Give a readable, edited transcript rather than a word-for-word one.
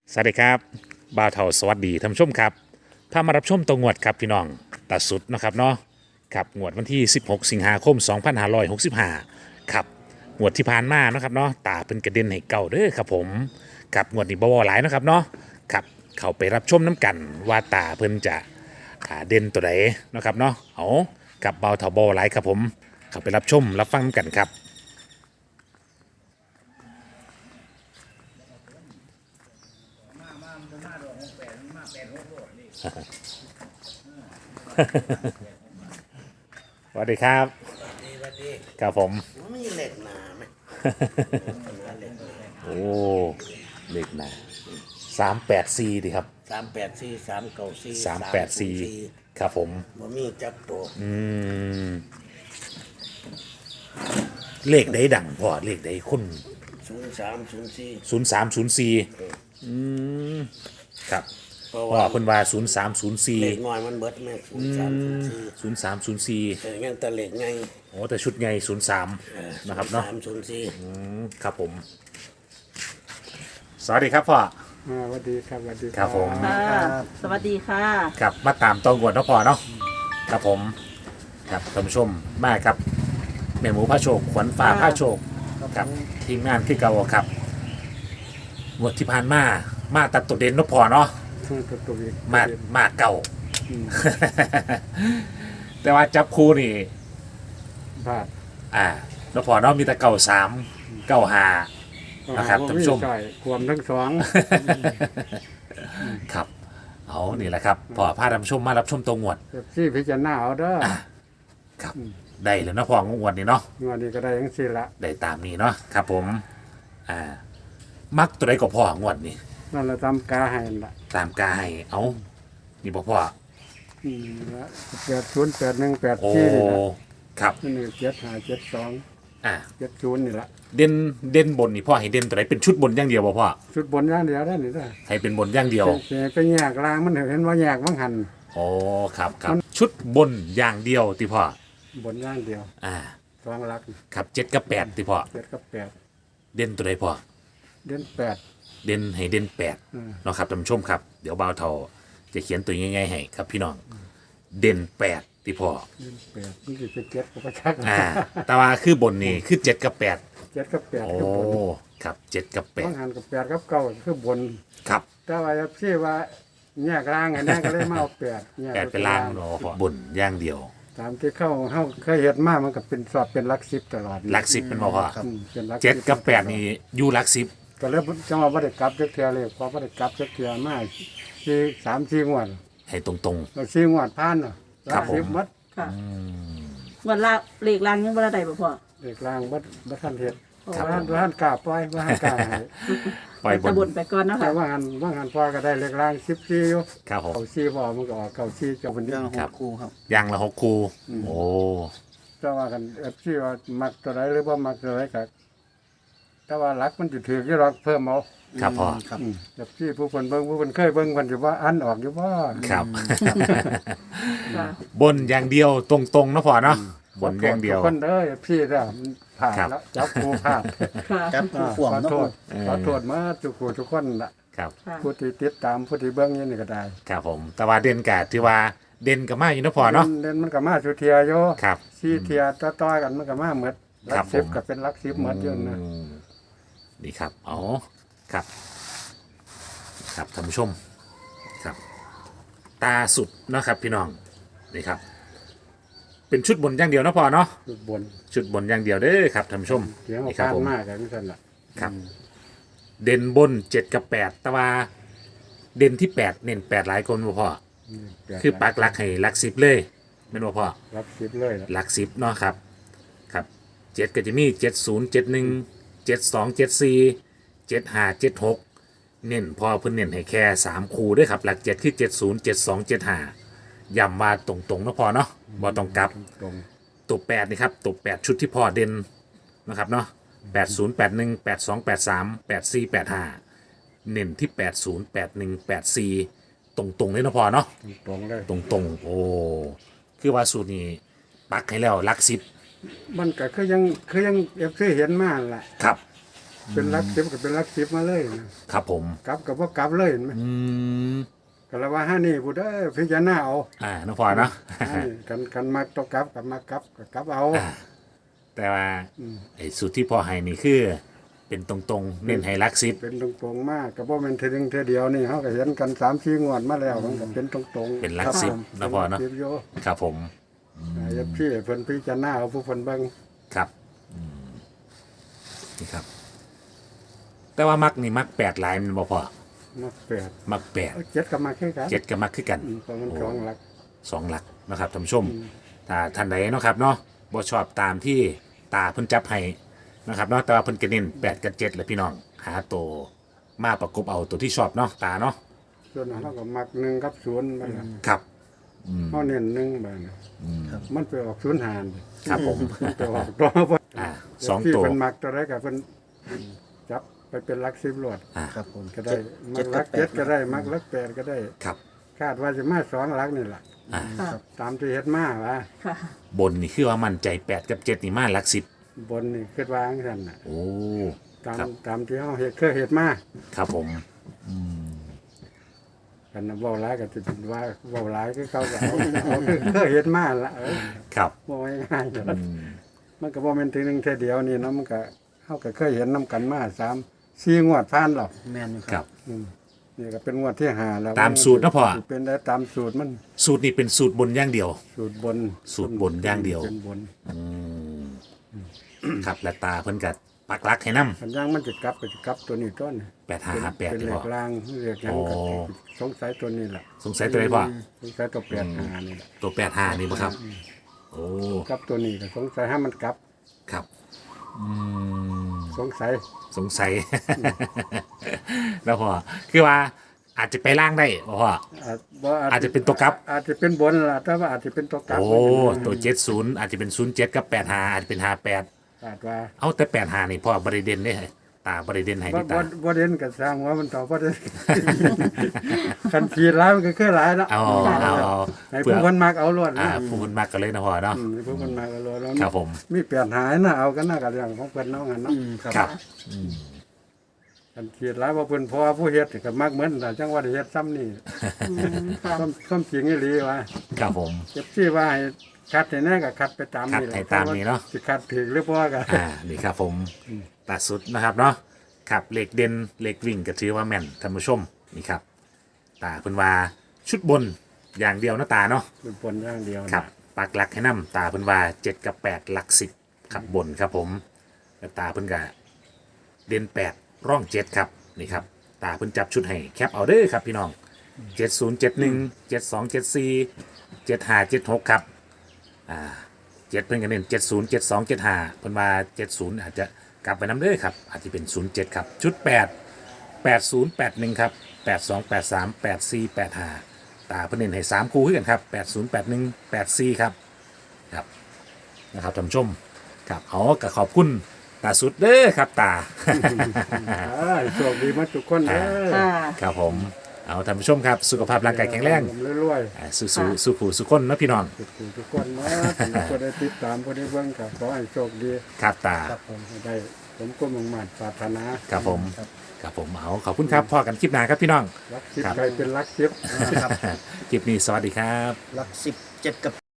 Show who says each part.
Speaker 1: สวัสดีครับบ่าวเฒ่าสวัสดีท่านผู้ชมครับพามารับชมตัวงวดครับพี่น้องตาสุดนะครับเนาะครับงวดวันที่ 16 สิงหาคม 2565ครับงวดที่ผ่านมานะครับเนาะตาเป็นกระเด็นให้เก่าเด้อครับผมกับงวดนี้บ่าวหลายนะครับเนาะครับเข้าไปรับชมน้ำกันว่าตาเพิ่นจะเด่นตัวใดนะครับเนาะเอากับบ่าวเฒ่าบ่หลายครับผมเข้าไปรับชมรับฟังน้ำกันครับ สวัสดีครับ
Speaker 2: ดี
Speaker 1: ครับผม
Speaker 2: มันมีเหล็กหนาไหม
Speaker 1: โอ้เลขหนา384ดีครับ
Speaker 2: 384 394
Speaker 1: 384ครับผม
Speaker 2: มันมีจักตัว
Speaker 1: เลขใดดังพอเลขใดคน
Speaker 2: 03 04
Speaker 1: 0304ครับ
Speaker 2: เพราะ
Speaker 1: พ่อ
Speaker 2: ว่า
Speaker 1: เพิ่นว่า
Speaker 2: เหล็ก
Speaker 1: 0304
Speaker 2: น้อยมันเบิดแม่03 04
Speaker 1: 0304
Speaker 2: แต่ยังแต่เหล็กไง
Speaker 1: โอ้แต่ชุดใหญ่03นะครับเนาะ
Speaker 2: 03 04
Speaker 1: ครับผม สวัสดีครับพ่อ
Speaker 3: สวัสดีครับสวัสดี
Speaker 1: ครับผม
Speaker 4: ค่ะสวัสดีค่ะ
Speaker 1: ครับมาตามตองกวดเนาะพ่อเนาะครับผมครับท่านผู้ชมมาครับแม่หมูพระโชคขวัญฟ้าพระโชคกับทีมงานคือเก่าครับงวดที่ผ่านมาตัดตัวเด่นเนาะพ่อเนาะ
Speaker 3: ตัวเอง
Speaker 1: มาเก่า แต่ว่าจับคู่นี่
Speaker 3: บาท
Speaker 1: เนาะพ่อเนาะมีแต่เก่า3เก่า5นะครับท่านผู้ชม
Speaker 3: ใช่ความทั้งสอง
Speaker 1: ครับเอานี่แหละครับพ่อพาท่านผู้ชมมารับชมตัวงวด
Speaker 3: ที่พิจารณาเอาเด้อ
Speaker 1: ครับได้เลยเนาะพ่องวดนี้เนาะ
Speaker 3: งวดนี้ก็ได้ยังสี่ละ
Speaker 1: ได้ตามนี้เนาะครับผมมักตัวใดก็พ่องวดนี้
Speaker 3: นั่นเราทำกาให้ละ
Speaker 1: ตามกายเอานี่บ่พ่อ
Speaker 3: ละ808184
Speaker 1: โอ้
Speaker 3: นี่ละ
Speaker 1: ครับ
Speaker 3: นี่7572
Speaker 1: อ่า
Speaker 3: 70นี่ละ
Speaker 1: เด่นบนนี่พ่อให้เด่นตัวไหนเป็นชุดบนอย่างเดียวบ่พ่อ
Speaker 3: ชุดบนอย่างเดียวได้นี่ละ
Speaker 1: ให้เป็นบนอย่างเดียว
Speaker 3: ไปแยกลางมันเห็นว่าแยกบังหัน
Speaker 1: โอ้ครับครับชุดบนอย่างเดียวที่พ่อบ
Speaker 3: นอย่างเดียว
Speaker 1: อ่า
Speaker 3: สองหลัก
Speaker 1: ครับ7กับ8ที่พ่อ
Speaker 3: 7กับ8
Speaker 1: เด่นตัวใดพ่อ
Speaker 3: เดือน8
Speaker 1: เด่นให้เด่น8เนาะครับท่านผู้ชมครับเดี๋ยวบ่าวเฒ่าจะเขียนตัวง่ายๆให้ครับพี่น้องเด่น8ที่พ่อ
Speaker 3: เดือน8นี่สิเป็น7กับประชัก
Speaker 1: แต่ว่าคือบนนี่คือ7กับ8
Speaker 3: 7กับ8
Speaker 1: โอ้
Speaker 3: คือบน
Speaker 1: ครับ7กับ
Speaker 3: บังหันกับ8กับ9คือบน
Speaker 1: 8ครับ
Speaker 3: แต่ว่าพี่ว่าแยกล่างอันนี้ก็เลยมาเอาแปดแยก
Speaker 1: 8เป็นล่างเนาะบนอย่างเดียว
Speaker 3: ตามที่เขาเคยเห็นมามันก็เป็นสอบเป็นหลักสิบตลอด
Speaker 1: หลัก10เป็นบ่พ่อ
Speaker 3: เป็นหลัก
Speaker 1: 7กับ8นี่อยู่หลัก10
Speaker 3: ก็เลยจังหวะบ่ได้กลับจักเทื่อเลยพอบ่ได้กลับจักเทื่อมาที่3-4งวด
Speaker 1: ให้ตรง
Speaker 3: แล้ว4งวดผ่านเนาะ
Speaker 1: ครับผม
Speaker 3: หมด
Speaker 4: ค่ะวันละเลขรางยังวันละใดบ่พ่อ
Speaker 3: เด็กล่างบ่ทันเฮ็ด
Speaker 1: ครับ
Speaker 3: บ่ทันกล้าปล่อยบ่ทันกล้าให้
Speaker 1: ๆปล่อยบ
Speaker 4: ตะ
Speaker 1: น
Speaker 4: บนไปก่อนเนาะ
Speaker 3: แต่
Speaker 4: ค่ะ
Speaker 3: ว่าหันปล่อยก็ได้เล็กล่าง14อยู่
Speaker 1: ครับผม
Speaker 3: เอา4บ่มันก็ออกเก่า4เจ้าเพิ่น
Speaker 2: ยัง
Speaker 1: ครับ
Speaker 2: 6คู่ครับ
Speaker 1: อย่างละ6คู่โอ้
Speaker 3: แต่ว่ากัน FC ว่ามักตัวใดหรือบ่มักตัวใดก็แต่ว่าหลักมันสิถืออยู่หรอกเพิ่มเอา
Speaker 1: ครับพ่อ
Speaker 2: ครับ
Speaker 3: แบบที่ผู้คนเบิ่งผู้คนเคยเบิ่งคนสิว่าอันออกอยู่ว่า
Speaker 1: ครับ
Speaker 4: ค่ะ
Speaker 1: บนอย่างเดียวตรงๆเนาะพ่อเนาะบนอย่างเดียว
Speaker 3: ทุกคนเด้อพี่เด้อมันผ่าน
Speaker 1: ครับ
Speaker 3: แล้วจับกูผ่าน
Speaker 4: ค่ะ
Speaker 2: จับคู่ฝ่วง
Speaker 3: ขอ
Speaker 2: เนาะ
Speaker 3: โทษขอโทษมาทุกคนล่ะ
Speaker 1: ครับ
Speaker 4: ค่ะ
Speaker 3: ผู้ที่ติดตามผู้ที่เบิ่งอยู่นี่ก็ได้
Speaker 1: ครับผมแต่ว่าเด่นกะที่ว่าเด่นกับมาอยู่เนาะพ่อเนาะ
Speaker 3: เล่นมันก็มาสุเทียอยู่
Speaker 1: ครับ
Speaker 3: สี่เทียต่อๆกันมันก็มาหมดห
Speaker 1: ครั
Speaker 3: ลั
Speaker 1: บ
Speaker 3: กสิบ
Speaker 1: ผม
Speaker 3: ก็เป็นหลักสิบหมดอยู่นะ
Speaker 1: นี่ครับอ๋อครับ ครับท่านผู้ชมครับ ตาสุดเนาะครับพี่น้องนี่ครับ เป็นชุดบนอย่างเดียวเนาะพ่อเนาะ
Speaker 3: จุดบน
Speaker 1: ชุดบนอย่างเดียวเด้อครับท่านผู้ชม
Speaker 3: เสียง
Speaker 1: นี่ครับ
Speaker 3: ผ่าน
Speaker 1: ผม
Speaker 3: มากกันนั่นล่ะ
Speaker 1: ครับ เด่นบน7กับ8แต่ว่าเด่นที่8เน้น8หลายคนบ่พ่อคือปักหลักให้หลัก10เลยแม่นบ่พ่อ
Speaker 3: หลักสิบเลยล่ะ
Speaker 1: หลัก10เนาะครับครับ7ก็จะมี70 71 72 74 75 76เน้นพอเพิ่นเน้นให้แค่3คู่เด้วยครับหลัก7คือ70 72 75ย้ำว่าตรงๆเนาะพ่อเนาะบ่ต้องกลับ
Speaker 3: ตรง
Speaker 1: ตัว8นี่ครับตัว8ชุดที่พ่อเด่นนะครับเนาะ80 81 82 83 84 85เน้นที่80 81 84ตรงๆเลยเนาะพ่อเนาะ
Speaker 3: ตรงเลย
Speaker 1: ตรงๆโอ้คือว่าสูตรนี้ปักให้แล้วหลัก10
Speaker 3: มันก็คือยังเอฟซีเห็นมาแหละ
Speaker 1: ครับ
Speaker 3: เป็นรักสิบก็เป็นรักสิบมาเลยนะครับ
Speaker 1: ผม
Speaker 3: กลับกับว่ากลับเลยเห็นไหม
Speaker 1: อืม
Speaker 3: ก็แล้วว่าห้านี่พูดได้อพิจารณาเอา
Speaker 1: น้องพ่อเนาะ
Speaker 3: ห้านี่กันมักต้องกลับกับมากลับก็กลับเอา
Speaker 1: แต่ว่าไอ้สูตรที่พ่อให้นี่คือ เป็นตรงๆ เน้นให้หลักสิบ
Speaker 3: เป็นตรงๆมากก็บ่แม่นเทนึงเทเดียวนี่เฮาก็เห็นกัน3-4งวดมาแล้วมันก็เป็นตรงๆ
Speaker 1: เป็นหลักสิบนะพ่อเนาะ
Speaker 3: ป็หลักสิบอยู่
Speaker 1: ครับผม
Speaker 3: อย่าพี่เพิ่นพิจารณาเอาผู้เพิ่นเบิ่ง
Speaker 1: ครับนี่ครับ แต่ว่ามักนี่มัก8หลายมันบ่พอ
Speaker 3: มาแปด
Speaker 1: มัก
Speaker 3: เอาเจ็ดก็มาคือกัน
Speaker 1: 8 7ก็มักคือกัน
Speaker 3: เพราะมันสองหลัก
Speaker 1: 2หลักนะครับท่านผู้ชม ถ้าท่านใดเนาะครับเนาะบ่ชอบตามที่ตาเพิ่นจับให้นะครับเนาะแต่ว่าเพิ่นก็เน้น8กับ7เลยพี่น้องหาตัวมาประกบเอาตัวที่ชอบเนาะตาเนาะ
Speaker 3: ส่วนเฮาก็มัก1กับ0ไปล่ะ
Speaker 1: ครับ
Speaker 3: เฮาเน้น1ไปนะมันไปออก0หาร
Speaker 1: ครับผม
Speaker 3: มันไปออกตัวบ่
Speaker 1: สอง
Speaker 3: ที่
Speaker 1: ตัว
Speaker 3: เพิ่นมักตัวใดก็เพิ่นจับไปเป็นหลัก10รวด
Speaker 2: ครับผม
Speaker 3: ก็ได้มักหลัก7ก็ได้มักหลัก8ก็ได้
Speaker 1: ครับ
Speaker 3: คาดว่าจะมา2หลักนี่ล่ะ
Speaker 4: ค่ะ
Speaker 3: ตามที่เฮ็ดมาว่า
Speaker 4: ค่ะ
Speaker 1: บนนี่คือว่ามั่นใจ8กับ7นี่มาหลัก10
Speaker 3: บนนี่คิดว่าจังซั่นน่ะ
Speaker 1: โอ้
Speaker 3: ตาม
Speaker 1: ครับ
Speaker 3: ตามที่เฮาเฮ็ดเคยเฮ็ดมา
Speaker 1: ครับผม
Speaker 3: กันน่ะเว้าหลายก็สิเป็นว่าเว้าหลายคือเขาก็เอาคือเคยเฮ็ดมาล่ะ
Speaker 1: ครับ
Speaker 3: บ่ง่ายๆมันก็บ่แม่นทีหนึงเท่อเดียวนี่เนาะมันก็เฮาก็เคยเห็นนํกันมา3-4งวดผ่านแล้ว
Speaker 2: แม่นอยู่
Speaker 1: ค
Speaker 2: ค
Speaker 1: รั
Speaker 2: รับ บ
Speaker 3: นี่ก็เป็นงวดที่5แล้ว
Speaker 1: ตามสูตรนะพ่อ
Speaker 3: สิเป็นได้ตามสูตรมัน
Speaker 1: สูตรนี้เป็นสูตรบนอย่างเดียว
Speaker 3: สูตรบน
Speaker 1: สูตรบนอย่างเดียว
Speaker 3: เป็นบน
Speaker 1: ครับและตาเพิ่นก็ปักหลักให้นำ
Speaker 3: คันย่างมันจะกลับก็จะกลับตัวนี้ต้น
Speaker 1: 8558
Speaker 3: เป็น
Speaker 1: นี่
Speaker 3: เล
Speaker 1: พ่อ
Speaker 3: ขลางเรียกหยังก็
Speaker 1: โอ้
Speaker 3: สงสัยตัวนี้ล่ะ
Speaker 1: สงสัยตัวใดพ่อ
Speaker 3: สงสัยตัว85นี่ล่ะ
Speaker 1: ตัว85นี่บ่ครับ โอ้
Speaker 3: กลับตัวนี้ก็สงสัยให้มันกลับ
Speaker 1: ครับ
Speaker 3: สงสัย
Speaker 1: สงสัย แล้วพ่อคือว่าอาจจะไปล่างได้บ่พ่อ อาจจะเป็นตัวกลับ
Speaker 3: อาจจะเป็นบนล่ะแต่ว่าอาจจะเป็นตัวกลับ
Speaker 1: โอ้ตัว70อาจจะเป็น07กับ85อาจจะเป็น58
Speaker 3: อาจว่า
Speaker 1: เอาแต่85นี่พ่อบริเด่นเด้ตาบริเด่นให้
Speaker 3: บ่
Speaker 1: ที่ตา
Speaker 3: บ่เด่นก็สร้างว่ามันต่อบ่เด่น คันขีดหลายมันก็คือหลายเนาะ
Speaker 1: เอา
Speaker 3: ให้
Speaker 1: เพื่
Speaker 3: ผู้
Speaker 1: อ
Speaker 3: คนมักเอาล้วน
Speaker 1: ผู้คนมากกันเลยนะพ่อเนาะ
Speaker 3: ให้ผู้คนมักเอาล้วนแล้ว
Speaker 1: ครับผม
Speaker 3: มีเปลี่ยนหายนะเอากันนะกับเรื่องของเพิ่นเนาะงั้นเนาะ
Speaker 1: ครับ
Speaker 3: คันขีดหลายบ่เพิ่นพอผู้เฮ็ดก็มักเหมือนแต่จังว่าได้เฮ็ดซ้ำนี่
Speaker 4: ค่ะ
Speaker 3: ความจริงอีหลีว่า
Speaker 1: ครับผม
Speaker 3: เจ็บซี่ว่าให้คัดให้แน่ก็คัดไปตามนี่แหละ
Speaker 1: คัดให้ตามนี้เนาะ
Speaker 3: สิคัดถึกหรือบ่ก็
Speaker 1: นี่ครับผมตัดสุดนะครับเนาะครับเหล็กเด่นเหล็กวิ่งก็ถือว่าแม่นท่านผู้ชมนี่ครับตาเพิ่นว่าชุดบนอย่างเดียวนะตาเนาะ
Speaker 3: เป็นผลอย่างเดียว
Speaker 1: ครับปักหลักให้นํตาเพิ่นว่า7กับ8หลัก10ครับบนครับผมแล้วตาเพิ่นก็เด่น8ร่อง7ครับนี่ครับตาเพิ่นจับชุดให้แคปเอาเด้อครับพี่น้อง7071 7274 7576ครับ7เพิ่นก็เน้น70 72 75เพิ่นว่า70อาจจะกลับไปนำเด้อครับอาจจะเป็น07ครับชุด8 8081ครับ8283 8485ตาเพิ่นเน้นให้3คู่คือกันครับ8081 84ครับครับนะครับท่านผู้ชมครับเอาก็ขอบคุณตาสุดเด้อครับตา
Speaker 3: โชคดีมาทุกคนเด้อ
Speaker 4: ค่ะ
Speaker 1: ครับผมเอาท่านผู้ชมครับสุขภาพร่างกายแข็งแรง
Speaker 3: รวย
Speaker 1: สู้ผู้สุขคนนะพี่น้อง
Speaker 3: ๆทุกคนนะผู้ได้ติดตามผู้ได้เบิ่งก็ขอให้โชคดี
Speaker 1: ครับตา
Speaker 3: ให้ได้สมความมุ่งมั่นปรารถนา
Speaker 1: ครับผมครับผมเอาขอบคุณครับพอกันคลิปหน้าครับพี่น้อง
Speaker 3: รักสิบใครเป็นรักสิบ
Speaker 1: คลิปนี้สวัสดีครับ
Speaker 2: หลัก17กับ